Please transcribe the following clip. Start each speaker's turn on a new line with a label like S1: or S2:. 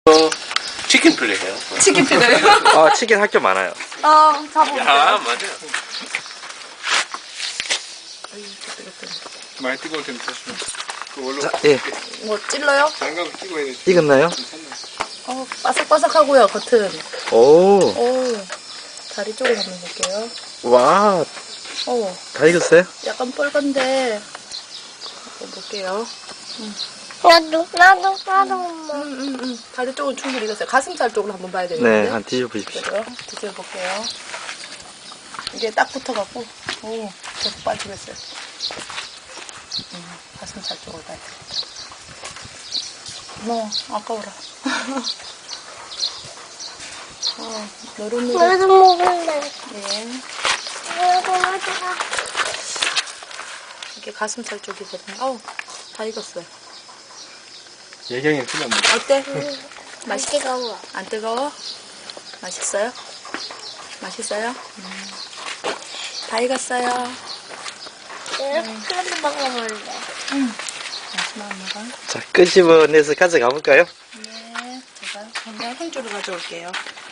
S1: 치킨 필레예요.
S2: 치킨 필레요?
S3: 아, 치킨 할 게 많아요.
S2: 잡아보세요.
S1: 아, 맞아요.
S4: 많이 뜨거울 텐데 조심해. 그 원래
S3: 자, 예.
S2: 뭐 찔러요?
S4: 장갑을 끼고 해야 돼.
S3: 익었나요?
S2: 바삭바삭하고요, 겉은.
S3: 오,
S2: 다리 쪽을 한번 볼게요.
S3: 와, 다 익었어요?
S2: 약간 뻘건데. 한번 볼게요.
S5: 나도 엄마.
S2: 다리 쪽은 충분히 익었어요. 가슴살 쪽으로 한번 봐야
S3: 네,
S2: 되겠는데.
S3: 한 뒤져보십시오.
S2: 그래요? 드셔볼게요. 이게 딱 붙어갖고, 계속 빠지겠어요. 가슴살 쪽으로 봐야 되겠다. 아까워라. 노릇노릇.
S5: 나도 먹을래.
S2: 예.
S5: 나도.
S2: 이게 가슴살 쪽이거든요. 다 익었어요.
S4: 예경이 틀렸네.
S2: 어때?
S5: 맛있게 가워.
S2: 안 뜨거워? 맛있어요? 맛있어요? 다 익었어요.
S5: 그래도 먹어볼래.
S2: 마지막 먹어.
S3: 자, 끄집어내서 가져가 볼까요?
S2: 네. 제가 그냥 행주를 가져올게요.